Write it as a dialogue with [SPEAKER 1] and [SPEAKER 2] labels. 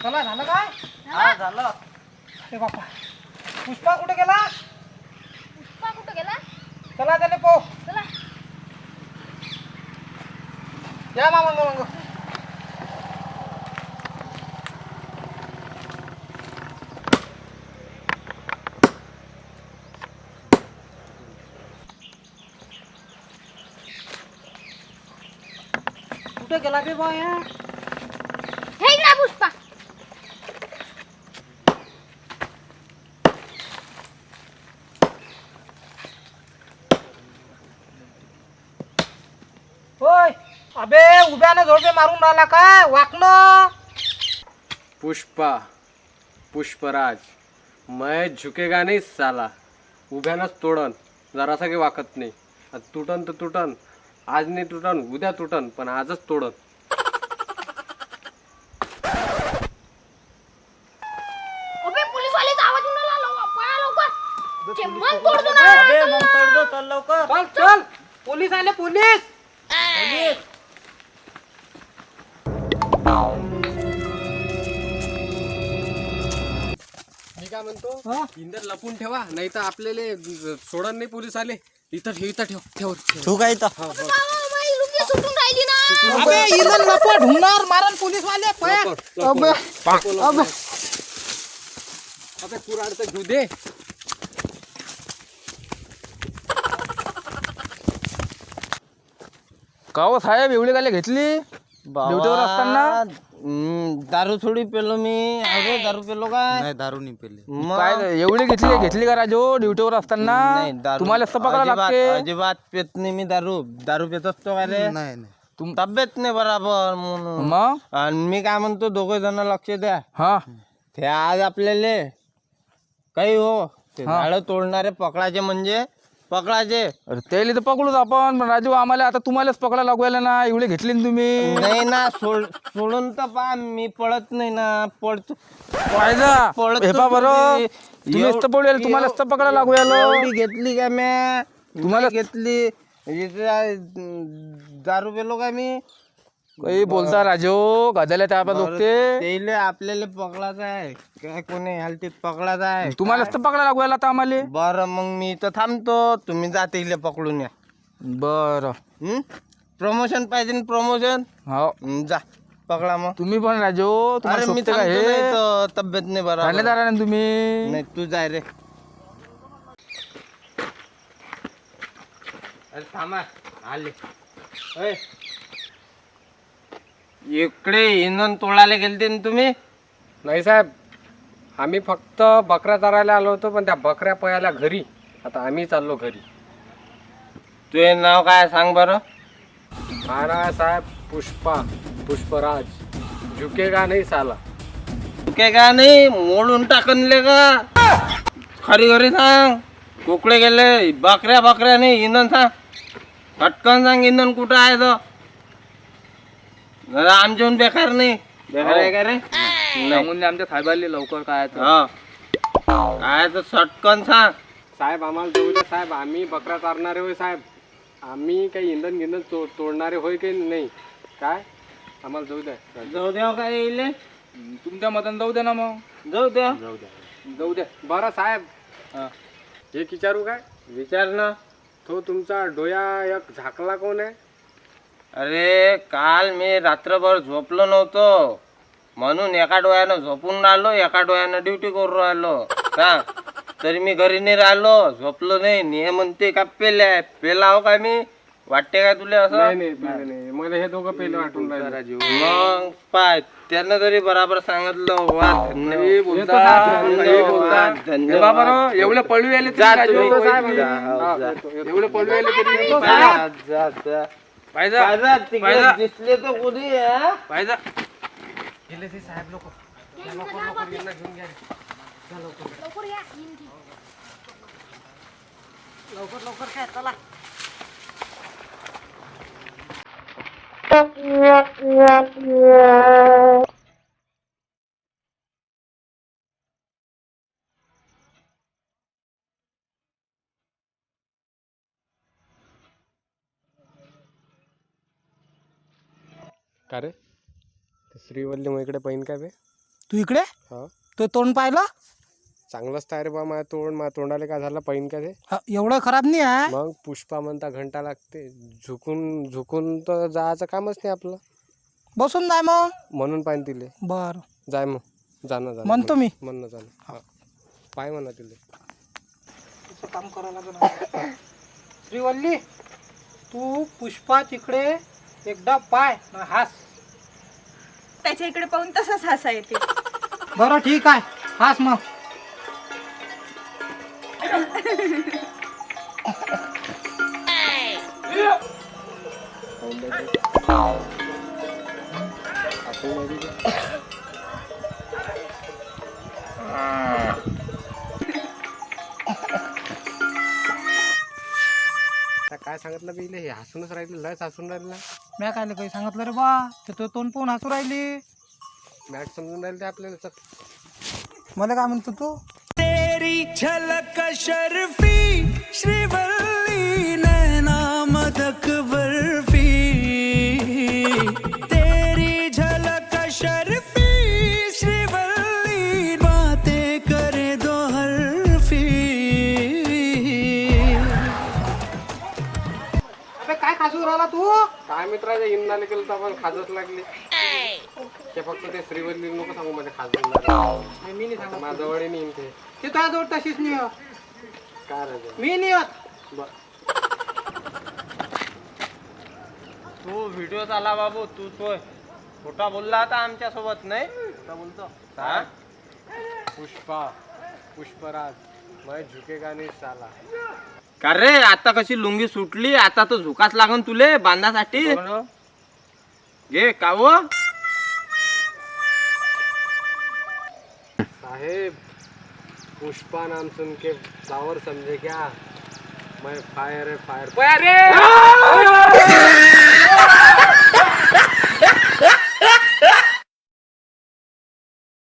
[SPEAKER 1] चला झालं काय?
[SPEAKER 2] हा झालं.
[SPEAKER 1] अरे बापा, पुष्पा कुठे गेला?
[SPEAKER 3] पुष्पा कुठं गेला?
[SPEAKER 1] चला त्याला पो
[SPEAKER 3] चला.
[SPEAKER 1] या मामा मग. कुठे गेला बे बा या?
[SPEAKER 3] हे इकडे पुष्पा.
[SPEAKER 1] होय अबे उभ्यानं झोडे मारून राहिला काय वाकणं?
[SPEAKER 2] पुष्पा पुष्पराज मैं झुकेगा नहीं साला. उभ्यानंच तोडन, जरासा काही वाकत नाही. तुटन तर तुटन, आज नाही तुटन उद्या तुटन, पण आजच तोडन.
[SPEAKER 3] अबे पोलीसवालेचा आवाज येऊन राहिला. पळा लवकर. ते मन तोडतो ना.
[SPEAKER 1] अबे मग तोडतो, चल लवकर. चल चल, पोलीस आले पोलीस. पोलीस.
[SPEAKER 2] मी काय म्हणतो,
[SPEAKER 1] हा?
[SPEAKER 2] इंदर लपून ठेवा, नाही तर आपल्याला सोडन नाही पोलीस आले. इथं ठेव, इथं ठेव, ठेव ठेव.
[SPEAKER 4] तू काय तर
[SPEAKER 3] माझी लुंगी सुटून राहिली ना.
[SPEAKER 1] अबे इलन लपवा ढुंगणार मारन पोलीस वाले पया.
[SPEAKER 2] लवकर,
[SPEAKER 1] अबे अबे
[SPEAKER 2] अबे कुऱ्हाडचं घेऊ दे.
[SPEAKER 4] का हो साहेब एवढी गाले घेतली ड्युटीवर असताना?
[SPEAKER 5] दारू थोडी पेलो मी. अरे दारू पेलो काय?
[SPEAKER 4] नाही दारू नाही पेली.
[SPEAKER 5] मग
[SPEAKER 4] काय एवढी घेतली का राजो ड्युटीवर असताना?
[SPEAKER 5] नाही, दारू
[SPEAKER 4] तुम्हाला असं पकडा
[SPEAKER 5] अजिबात-
[SPEAKER 4] लागते.
[SPEAKER 5] अजिबात पेत नाही मी दारू. दारू पेत असतो का रे?
[SPEAKER 4] नाही नाही
[SPEAKER 5] तब्येत नाही बराबर म्हणून.
[SPEAKER 4] मग
[SPEAKER 5] आणि मी काय म्हणतो, दोघे जण लक्ष द्या.
[SPEAKER 4] हा
[SPEAKER 5] ते आज आपल्याला काही हो ते झाडं तोडणारे पकडायचे, म्हणजे पकडायचे.
[SPEAKER 4] अरे त्याला तर पकडूच आपण, पण राजू आम्हाला आता तुम्हालाच पकडा लागवायला ना. एवढी घेतली ना तुम्ही.
[SPEAKER 5] नाही ना, सोडून तर पहा, मी पळत नाही ना. पळतो
[SPEAKER 4] पाहिजा
[SPEAKER 5] पळत
[SPEAKER 4] हे पा बरं, तुम्ही असतं पडूया, तुम्हाला असतं पकडा लागवायला.
[SPEAKER 5] एवढी घेतली का म्या?
[SPEAKER 4] तुम्हाला-
[SPEAKER 5] घेतली दारू पेलो का मी?
[SPEAKER 4] काही बोलता राजो गजाला त्या लोकते.
[SPEAKER 5] त्याले आपल्याला पकडायचं आहे काय? कोणी हलतीत पकडायचं आहे?
[SPEAKER 4] तुम्हाला असतं पकडा लागवायला आता आम्हाला.
[SPEAKER 5] बरं मग मी इथं थांबतो, तुम्ही जाते इले पकडून या.
[SPEAKER 4] बरं
[SPEAKER 5] प्रमोशन पाहिजे ना, प्रमोशन.
[SPEAKER 4] हो
[SPEAKER 5] जा पकडा मग.
[SPEAKER 4] तुम्ही पण राजो तुम्हाला
[SPEAKER 5] अरे मी
[SPEAKER 4] शोभते का
[SPEAKER 5] थांबतो,
[SPEAKER 4] हे?
[SPEAKER 5] नाही तर तब्येत नाही बरोबर.
[SPEAKER 4] ठाणेदार आहे ना तुम्ही.
[SPEAKER 5] नाही तू जाय रे. अरे थांबा आले. ओय. इकडे इंधन तोडायला गेलते ना तुम्ही?
[SPEAKER 2] नाही साहेब, आम्ही फक्त बकऱ्या चरायला आलो होतो, पण त्या बकऱ्या पयाला घरी. आता आम्ही चाललो घरी.
[SPEAKER 5] तुझे नाव काय सांग बरं?
[SPEAKER 2] हा ना साहेब, पुष्पा पुष्पराज. झुकेगा नाही साला.
[SPEAKER 5] काय का नाही, मोडून टाकनले का? खरी खरी सांग. कुकडे गेले? बकऱ्या नाही, इंधन सांग. पटकन सांग, इंधन कुठं आहे तर. आमच्याहून बेकार नाही. बेकार आहे का रे?
[SPEAKER 4] सांगून द्या आमच्या साहेबांनी लवकर काय तर.
[SPEAKER 5] हा काय तर सटकन सांग.
[SPEAKER 2] साहेब आम्हाला जाऊ द्या साहेब, आम्ही बकऱ्या चारणारे होय साहेब. आम्ही काही इंधन तोडणारे होय काही नाही. काय आम्हाला जाऊ द्या.
[SPEAKER 5] जाऊ द्या काय येईल?
[SPEAKER 4] तुमच्या मतान जाऊ द्या ना मग.
[SPEAKER 5] जाऊ द्या.
[SPEAKER 2] जाऊ द्या. बरं साहेब, एक विचारू काय?
[SPEAKER 5] विचार ना.
[SPEAKER 2] तो तुमचा डोया एक झाकला कोण आहे?
[SPEAKER 5] अरे काल मी रात्रभर झोपलो नव्हतो, म्हणून एका डोळ्यानं झोपून राहिलो, एका डोळ्यानं ड्युटी करून राहिलो. का तरी मी घरी नाही राहिलो, झोपलो नाही. ने म्हणते का पेला हो का मी? वाटते का तुला असं?
[SPEAKER 2] नाही, मला हे दोघं पहिले वाटून राहिले.
[SPEAKER 5] मग पाय त्यानं तरी बराबर सांगितलं. वा धन्यवाद. धन्यवाद.
[SPEAKER 4] एवढं पळू आले
[SPEAKER 5] जा तुम्ही.
[SPEAKER 4] एवढं पळू आले तरी
[SPEAKER 5] जा, जा.
[SPEAKER 4] पाहिजे
[SPEAKER 5] बाजार तिकडे दिसले तर कोणी हा?
[SPEAKER 4] पाहिजे.
[SPEAKER 2] गेले ते साहेब लोक.
[SPEAKER 3] लवकर या.
[SPEAKER 1] लवकर काय चला.
[SPEAKER 2] का रे, श्रीवल्ली मग इकडे पहिन काय बे?
[SPEAKER 1] तू इकडे
[SPEAKER 2] हा
[SPEAKER 1] तो तोंड पाहिलं
[SPEAKER 2] चांगलंच तयार बा माझ्या तोंडाला काय झालं पाहिजे का ते
[SPEAKER 1] हा, एवढं खराब नाही आहे
[SPEAKER 2] मग पुष्पा म्हणता घंटा लागते झुकून झुकून तर जायचं कामच नाही आपलं
[SPEAKER 1] बसून जाय मग
[SPEAKER 2] म्हणून पाहिजे तिले
[SPEAKER 1] बर
[SPEAKER 2] जाय मग जाणं
[SPEAKER 1] म्हणतो मी.
[SPEAKER 2] म्हणणं जाणं हा पाय म्हणा तिले
[SPEAKER 1] काम करावं लागेल श्रीवल्ली तू पुष्पा तिकडे एकदा पाय न हास
[SPEAKER 6] त्याच्या इकडे पाहून तसंच हसा येते.
[SPEAKER 1] बरं ठीक आहे हास मग
[SPEAKER 2] आता काय सांगितलं बिले हे हसूनच राहिले लयच हसून राहिलं
[SPEAKER 1] मी काय काही सांगितलं रे बा ते तो तोंड पाहून हसू राहिली
[SPEAKER 2] मॅट समजून राहिले ते आपल्याला चल.
[SPEAKER 1] मला काय म्हणतो तू
[SPEAKER 7] तेरी झलक शर्फी श्रीवल्ली नैना मदक बर्फी तेरी झलक शर्फी श्रीवल्ली बातें करे दो हरफी.
[SPEAKER 1] अबे काय खासू राहिला तू
[SPEAKER 2] काय मित्राच्या इंदाले केलं तर आपण खाजच लागली ते फक्त ते श्रीवल्ली नको सांगू माझ्या खाजून
[SPEAKER 1] मी नाही सांगत
[SPEAKER 2] माझ्या जवळ नाही ते
[SPEAKER 1] ते तुझ्या जवळ तशीच नाही आहे.
[SPEAKER 2] काय राहते
[SPEAKER 1] मी नाही होत
[SPEAKER 5] तू व्हिडिओ आला बाबू तू तो खोटा बोलला आता आमच्या सोबत नाही खोटा बोलतो हा
[SPEAKER 2] पुष्पा पुष्पराज मैं झुकेगा नहीं साला
[SPEAKER 5] का रे आता कशी लुंगी सुटली आता तर झुकाच लागन तुले बांधासाठी घे काव
[SPEAKER 2] साहेब पुष्पा नाम सुन के फ्लावर समझे क्या मैं फायर है फायर